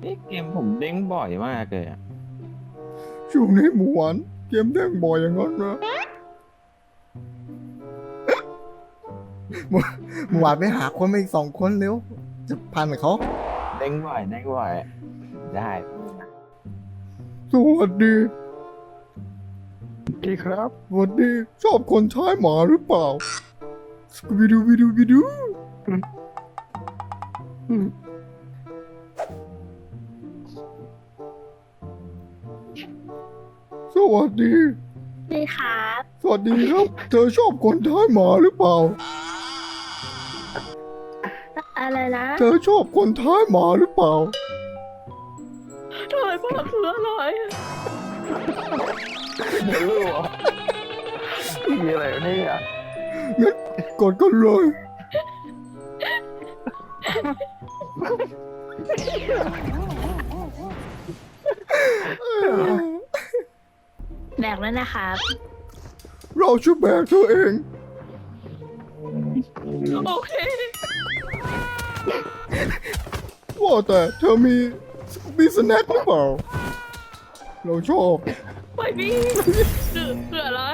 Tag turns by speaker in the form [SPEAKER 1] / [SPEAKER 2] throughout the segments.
[SPEAKER 1] เกมผมเด้งบ่อยมากเลยอะ
[SPEAKER 2] ช่วงนี้หมูหวานเกมเด้งบ่อยอย่างนั้นนะหมูหวานไปหาคนมาอีก2 คนเร็วจะพันกับเขา
[SPEAKER 1] เด้งบ่อยได้
[SPEAKER 2] สวัสดี
[SPEAKER 1] ดีครับ
[SPEAKER 2] สวัสดีชอบคนใช้หมาหรือเปล่าสกูบิดูบิดูบิดูสวัสดี
[SPEAKER 3] ดีครับ
[SPEAKER 2] สวัสดีครับ เธอชอบคนใช้หมาหรือเปล่า
[SPEAKER 3] อะไรนะ
[SPEAKER 2] เธอชอบคนใช้หมาหรือเปล่า
[SPEAKER 3] ทำไมพ่อคืออะไร
[SPEAKER 1] เดี๋ยวรู้อ่ะมีอะไรวะเนี่ย
[SPEAKER 2] งั้นกดกันเลย
[SPEAKER 3] แบกแล้วนะครับ
[SPEAKER 2] เราช่วยแบกเธอเอง
[SPEAKER 3] โอเค
[SPEAKER 2] ว่าแต่เธอมีสแน็คหรือเปล่า เราชอบ
[SPEAKER 3] ไม่มีเสืออะไร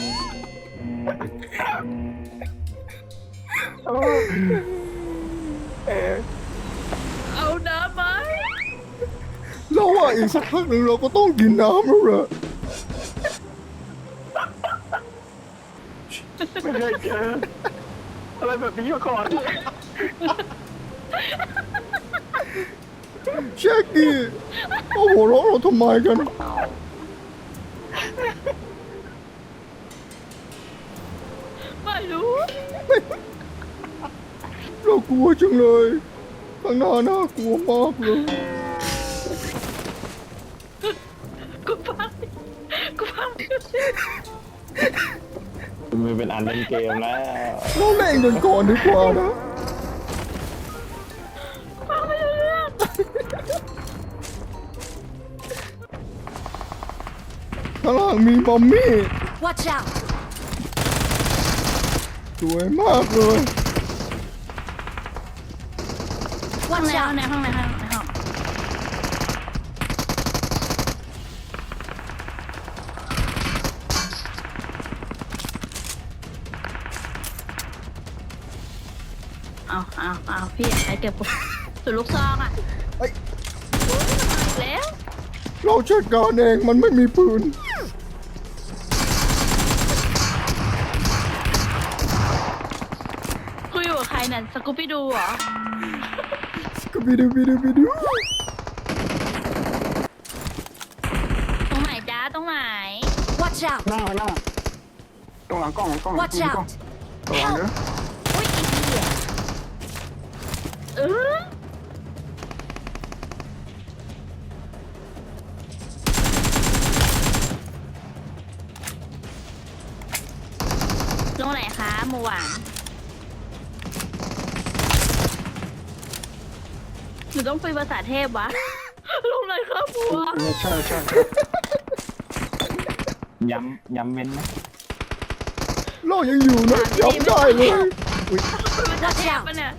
[SPEAKER 3] เอาน้ำไหม
[SPEAKER 2] เราว่าอีกสักพักหนึ่งเราก็ต้องกินน้ำแล้วแหละ
[SPEAKER 1] ไม่เคยเจออะไรแบบนี้มาก่อน
[SPEAKER 2] เช็คดิเอาหัวเราะเราทำไมกัน
[SPEAKER 3] ไม่รู้
[SPEAKER 2] เรากลัวจังเลยข้างหน้าน่ากลัวมากเลย
[SPEAKER 3] กูพังกูพัง
[SPEAKER 1] มันเป็นอันเล่นเกมแล้ว
[SPEAKER 2] เราเล่นกันก่อนดีกว่านะ
[SPEAKER 3] พังไม่รู้เรื่อง
[SPEAKER 2] ข้างล่างมีมัมมี่
[SPEAKER 4] Watch out!
[SPEAKER 2] สวยมากเลย
[SPEAKER 3] ห้อง
[SPEAKER 4] Watch
[SPEAKER 3] ใน
[SPEAKER 4] out!
[SPEAKER 3] ห้องในห้องเอาพี่ใครเก็บกูสุดลูกซองอ่ะ
[SPEAKER 2] เอ้ย
[SPEAKER 3] แล้ว
[SPEAKER 2] เราจัดการเองมันไม่มีปืน
[SPEAKER 3] คุยอยู่กับใครนั่นสกูปี้ดูเหรอ
[SPEAKER 2] ก็บิดูบิดูบิดู
[SPEAKER 3] ตรงไหนจ้าตรงไหน
[SPEAKER 4] Watch out!
[SPEAKER 1] หน้าตรงหลังกล้อง
[SPEAKER 4] Watch out!
[SPEAKER 1] ระวังเด้อ
[SPEAKER 4] อุ้ยอีเหี้ย
[SPEAKER 3] เออลงไหนคะหมูหวานหนูต้องคุยภาษาเทพวะ ลงไหนครับหมูหวาน
[SPEAKER 1] ใช่ย้ำเว้นไหม
[SPEAKER 2] เรายังอยู่นะย้ำได้เลยอุ๊ย
[SPEAKER 3] คุยภาษาเทพปะเนี่ย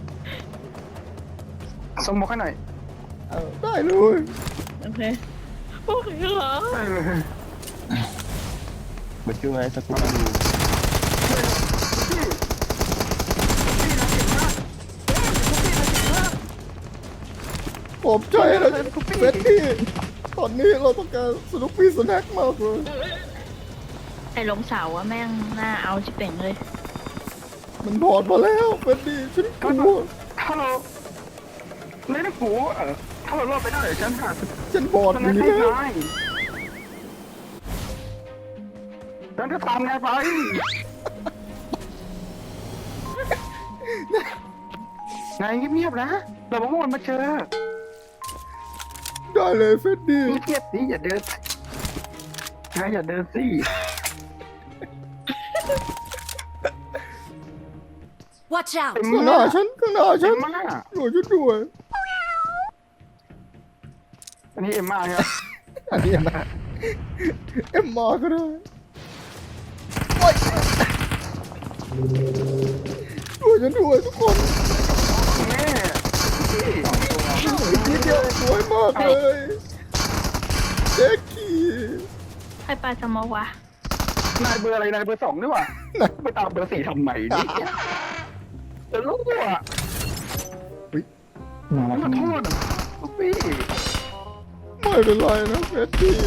[SPEAKER 1] ส่งบอกให้หน่อย
[SPEAKER 2] ได้เลย
[SPEAKER 3] โอเคโอเคเหรอ
[SPEAKER 1] ได้เลยมาช่วยสักวันดู
[SPEAKER 2] ขอบใจนะเฟสตี้ตอนนี้เราต้องการสนุกปี้สแน็คมากเลย
[SPEAKER 3] ไอ้ลงเสาอะแม่งน่าเอาจิเป่งเลย
[SPEAKER 2] มันถอดมาแล้วเฟสตี้ฉันกลัว
[SPEAKER 1] ถ้าเราเล่นหูถ้าเรารอดไปได้ฉันหา
[SPEAKER 2] ฉันบอด
[SPEAKER 1] ฉัน
[SPEAKER 2] อยู่
[SPEAKER 1] ไม่
[SPEAKER 2] นี่
[SPEAKER 1] ใช่
[SPEAKER 2] แล้ว
[SPEAKER 1] นายฉันจะทำไงไปนายเงียบๆนะเราบอกว่ามันมาเจอ
[SPEAKER 2] ได้เลยเฟสตี้
[SPEAKER 1] เงียบๆสิอย่าเดินนายอย่าเดินสิ
[SPEAKER 4] Watch out!
[SPEAKER 1] เอ็ม
[SPEAKER 2] ข้างหน้า
[SPEAKER 1] ม่า
[SPEAKER 2] ฉันข้างหน้าฉั
[SPEAKER 1] เอ็
[SPEAKER 2] น
[SPEAKER 1] มม่า
[SPEAKER 2] ช่วยฉันด้วย
[SPEAKER 1] อันนี้เอ็มม่าครับ
[SPEAKER 2] อันนี้มาเอ็มมาก็ได้โอ๊ยช่วยฉันด้วยทุกคน
[SPEAKER 1] แม่
[SPEAKER 2] อีกนิดเดียวสวยากเลยแจ็คกี้
[SPEAKER 3] ใครปาสมองวะ
[SPEAKER 1] นายเบอร์อะไรนายเบอร์2นี่หว่าไปตามเบอร์4ทำไมนี่จะรู้อ่ะ
[SPEAKER 2] อุ๊ย
[SPEAKER 1] มาโทษลูกพี่
[SPEAKER 2] ไม่เป็นไรนะเฟตตี้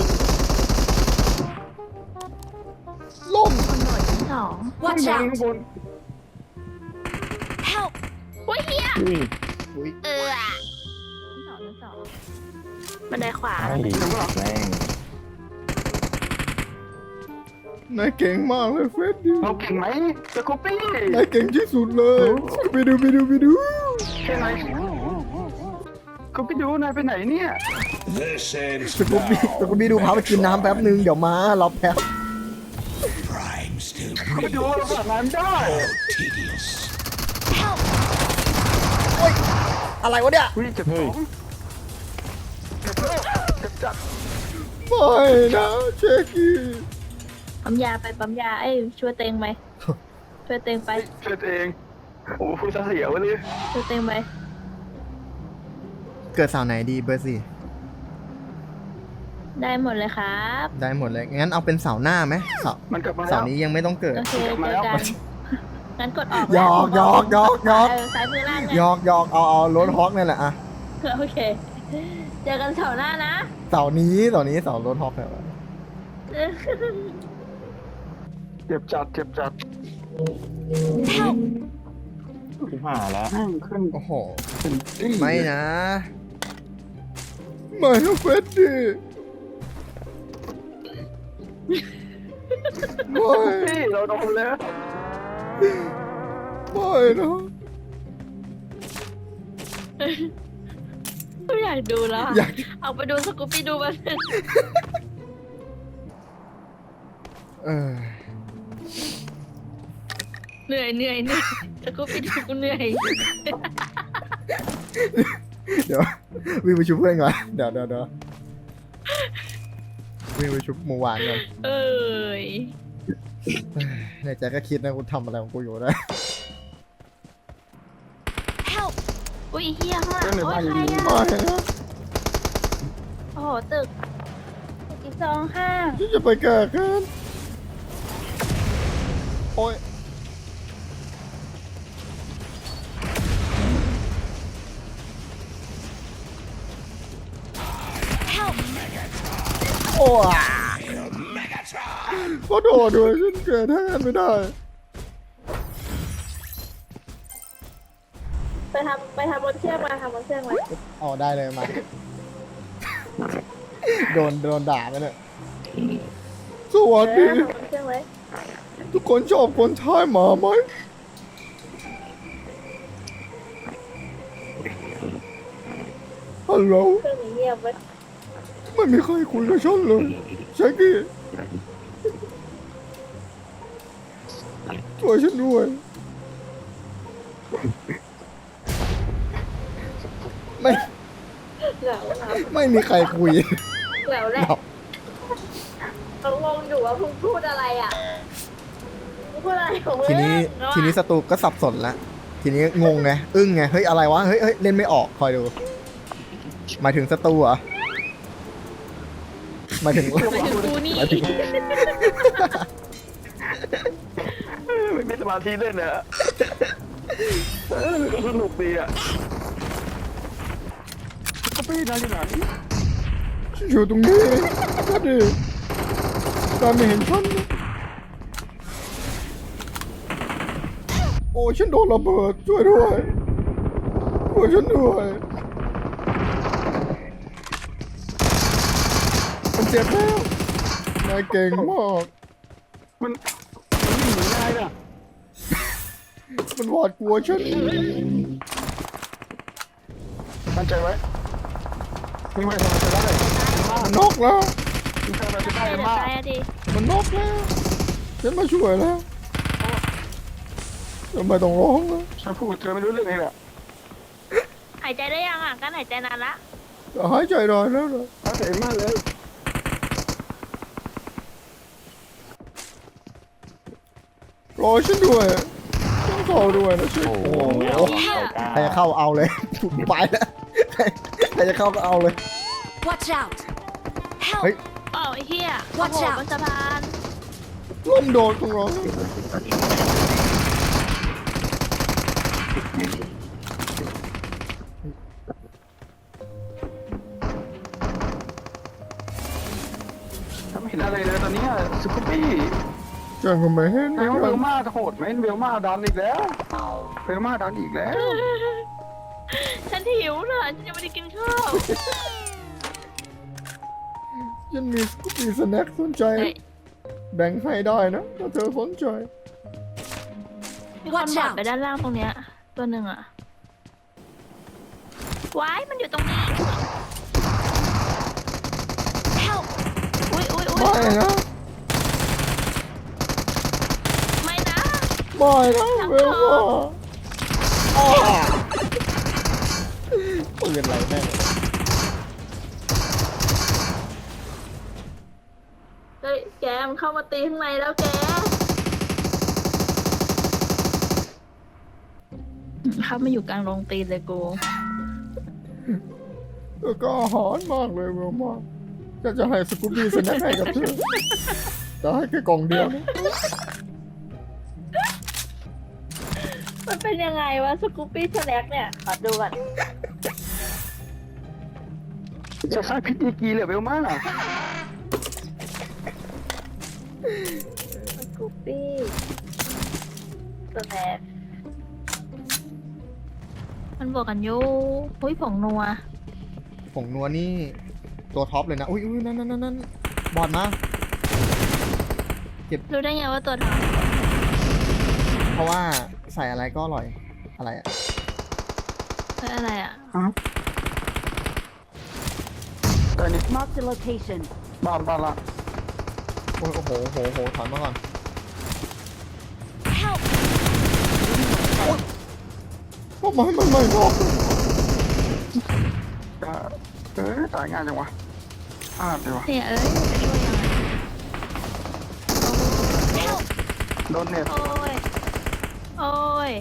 [SPEAKER 2] ล่ม
[SPEAKER 3] คนหน่วยที่สอง
[SPEAKER 4] Watch
[SPEAKER 1] ข้าง
[SPEAKER 4] out!
[SPEAKER 1] บน
[SPEAKER 4] Help!
[SPEAKER 3] โอ้ยเฮีย
[SPEAKER 2] อุ๊ย
[SPEAKER 3] สองบันไดขวา
[SPEAKER 5] ไอ้แม่ง
[SPEAKER 2] นายเก่งมากเลยเฟตตี้
[SPEAKER 1] เราเก่งไหมสกูปี้
[SPEAKER 2] นายเก่งที่สุดเลยไปดู
[SPEAKER 1] ใช่ไหมกูไปดูนายไปไหนเนี่ย
[SPEAKER 6] This ends
[SPEAKER 2] สกูบี้
[SPEAKER 6] now.
[SPEAKER 2] สกูบี้ดูพาไปกินน้ำแป๊บนึงเดี๋ยวมารอแป๊บ
[SPEAKER 6] Prime still
[SPEAKER 1] กูไปดูเราแบบนั้นได้
[SPEAKER 6] tedious.
[SPEAKER 4] Help!
[SPEAKER 2] อะไรวะเนี่ย
[SPEAKER 1] วิ่งจับของจับจับ
[SPEAKER 2] ไม่นะเช็คกี้
[SPEAKER 3] ปั๊มยาไปปั๊มยาเอ้ยช่วยเตงไหมช่วยเตงไป
[SPEAKER 1] เกิดเองโอ้พูดเสียวเลย
[SPEAKER 3] ช่วยเตงไป
[SPEAKER 2] เกิดเสาไหนดีเบอร์สี่
[SPEAKER 3] ได้หมดเลยครับ
[SPEAKER 2] ได้หมดเลยงั้นเอาเป็นเสาหน้าไหมเสา
[SPEAKER 1] มันกลับมา
[SPEAKER 2] เสา
[SPEAKER 1] แล้ว
[SPEAKER 2] นี้ยังไม่ต้องเกิด
[SPEAKER 3] โอเคเจอกันงั้นกดออก
[SPEAKER 2] หยอกหยอกหยอกหยอก
[SPEAKER 3] ซ้ายมือล่าง
[SPEAKER 2] หย
[SPEAKER 3] เนี่ย
[SPEAKER 2] อกเอารถฮอกนี่แหละอะ
[SPEAKER 3] โอเคเจอกันเสาร์หน้านะ
[SPEAKER 2] เสานี้เสารถฮอกเนี่ย
[SPEAKER 1] เจ็บจัดเจ็บจัด
[SPEAKER 4] Help!
[SPEAKER 5] ที่ผ่าแล้ว
[SPEAKER 1] แม่งขึ้น
[SPEAKER 2] โอ้โห
[SPEAKER 1] เป็นตี้
[SPEAKER 2] ไม่นะไม่นะเฟดดี้ไม่
[SPEAKER 1] ตี้เราโดนแล้ว
[SPEAKER 2] ไม่นะ
[SPEAKER 3] ไม่อยากดูแล้วอะ
[SPEAKER 2] อยาก
[SPEAKER 3] เอาไปดูสกูปปี้ดูมัน
[SPEAKER 2] เออ
[SPEAKER 3] เหนื่อยสกูปปี้ดูกูเหนื่อย
[SPEAKER 2] เดี๋ยววิ่งไปชุบเพื่อนก่อนเดี๋ยววิ่งไปชุบหมูหวานก่อน
[SPEAKER 3] เอ้ย
[SPEAKER 2] ในใจก็คิดนะกูทำอะไรของกูอยู่นะ
[SPEAKER 4] Help!
[SPEAKER 3] อุ้ยเฮียข้างหลังโอ้ยใครอะ
[SPEAKER 2] ไม่นะ
[SPEAKER 3] โอ้โหตึกอีกสองห้าง
[SPEAKER 2] ฉันจะไปแก่กันโอ้ย
[SPEAKER 4] Help!
[SPEAKER 2] โอ้ยก็โดดด้วยฉันเกิดแทนไม่ได้
[SPEAKER 3] ไปทำบนเชือกมาทำบนเชือกมา
[SPEAKER 2] อ๋อได้เลยมา โดนด่าไปเนี่ยสวัสดี
[SPEAKER 3] ทำบนเชือกไว้
[SPEAKER 2] ทุกคนชอบคนใช้หมาไหมฮัลโหล
[SPEAKER 3] เครื่องนี้เงียบไว้
[SPEAKER 2] ไม่มีใครคุยกับฉันเลยแช็กกี้ช่วยฉันด้วยไม่
[SPEAKER 3] เหงา
[SPEAKER 2] ไม่มีใครคุย
[SPEAKER 3] เหงาแหละเขางงอยู่ว่าเพิ่งพูดอะไรอ่ะมึงพูดอะไรของมึง
[SPEAKER 2] ทีนี้ศัตรูก็สับสนละทีนี้งงไงอึ้งไงเฮ้ยอะไรวะเฮ้ยเล่นไม่ออกคอยดูหมายถึงศัตรูเหรอหมายถึง
[SPEAKER 3] หมายถึงกูนี่
[SPEAKER 1] ไม่มีสมาธิเล่นนะสนุกดีอ่ะก็ปี้นายอยู่ไหน
[SPEAKER 2] อยู่ตรงนี้ก็ดีตามไม่เห็นฉันนะโอ้ฉันโดนระเบิดช่วยด้วยฉันด้วยมันเจ็บแล้วนายเก่งมาก
[SPEAKER 1] มันวิ่งหนีนายน่ะ
[SPEAKER 2] มันหวาดกลัวฉัน
[SPEAKER 1] มั่นใจไว้วิ่งไปทำไมจะได้
[SPEAKER 2] มันนอกแล้ว
[SPEAKER 1] วิ่งไปทำไมจะได้
[SPEAKER 3] เดี๋ยว
[SPEAKER 1] มาก
[SPEAKER 3] ตายอะดิ
[SPEAKER 2] มันนอกแล้วฉันมาช่วยแล้วทำไมต้องร้องนะ
[SPEAKER 1] ฉันพูดเธอไม่รู้เรื่องเองแหละ
[SPEAKER 3] หายใจได้ยังอ่ะการหายใจนานละ
[SPEAKER 2] จะหายใจได้แล้วนะ
[SPEAKER 1] ถ้าเสียมากเลย
[SPEAKER 2] รอฉันด้วยต้องเข้าด้วยนะฉัน
[SPEAKER 5] โอ้โห
[SPEAKER 2] ใครจะเข้าเอาเลย ไปแล้วใครจะเข้าก็เอาเลย
[SPEAKER 3] เ
[SPEAKER 4] Watch out!
[SPEAKER 2] เฮ้ย
[SPEAKER 4] Help!
[SPEAKER 3] อ้าวไอ้เหี้ย
[SPEAKER 4] Watch
[SPEAKER 3] โอ้โห
[SPEAKER 4] out
[SPEAKER 3] บนสะพาน
[SPEAKER 2] ล่มโดนของเรา
[SPEAKER 1] ทำเห็นอะไรเลยตอนเนี้ยสกูปี้
[SPEAKER 2] จังก็ไม่เห็น
[SPEAKER 1] เวลมาจะโหดไหมเวลมาดันอีกแล้วเวลมาดันอีกแล้ว
[SPEAKER 3] ฉันหิวน่ะฉันยังไม่ได้กินข้าว
[SPEAKER 2] ฉันมีสกูปี้สแน็คสนใจ
[SPEAKER 3] เฮ้ย
[SPEAKER 2] แบ่งให้ได้นะถ้าเธอสนใจ
[SPEAKER 3] มีคนบอดไปด้านล่างตรงเนี้ยตัวหนึ่งอะว้ายมันอยู่ตรงนี้
[SPEAKER 4] Help!
[SPEAKER 3] อุ้ยอุ้ยอุ้ย
[SPEAKER 2] ไม่นะ
[SPEAKER 3] ไม่นะ
[SPEAKER 2] ไม่นะเวลว่าอ้าวปืนอะไรแม่ง
[SPEAKER 3] เฮ้ยแกมันเข้ามาตีข้างในแล้วแกเข้ามาอยู่กลางโรงตีนเลยกู
[SPEAKER 2] เธอก็อาหารมากเลยเวลมาจะให้สกูบี้สแน็คให้กับเธอแต่ให้แค่กล่องเดียวนะ
[SPEAKER 3] มันเป็นยังไงวะสกูปปี้สแน็คเนี่ยขอดูก่อน
[SPEAKER 1] จะใช้พิธีกีเลยเวลมา
[SPEAKER 3] สกูปปี้สแน็คมันบวกกันอยู่อุ้ยผงนัว
[SPEAKER 2] ผงนัวนี่ตัวท็อปเลยนะอุ้ยนั่นบอดมา
[SPEAKER 3] รู้ได้ไงว่าตัวท
[SPEAKER 2] เพราะว่าใส่อะไรก็อร่อยอะไรอะ
[SPEAKER 3] ำคืออะไรอ่ะ
[SPEAKER 1] แต่นี่
[SPEAKER 4] Mark the location.
[SPEAKER 1] บ้านละ
[SPEAKER 2] โอ้โหถอนมาก่อน
[SPEAKER 4] Help!
[SPEAKER 2] ทำไมมันไม่บอก
[SPEAKER 1] จะตายง่ายจังวะเลยวะ
[SPEAKER 3] เนี่ยเอ้ยจะช่วยยังไง
[SPEAKER 4] Help!
[SPEAKER 1] โดนเน็ต
[SPEAKER 3] โอ้ยโอ้ย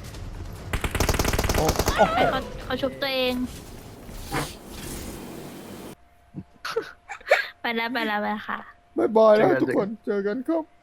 [SPEAKER 2] โอ้
[SPEAKER 3] ไอเขาชุบตัวเอง ไปแล้วค่ะ
[SPEAKER 2] บายบายแล้วทุกคนเจอกันครับ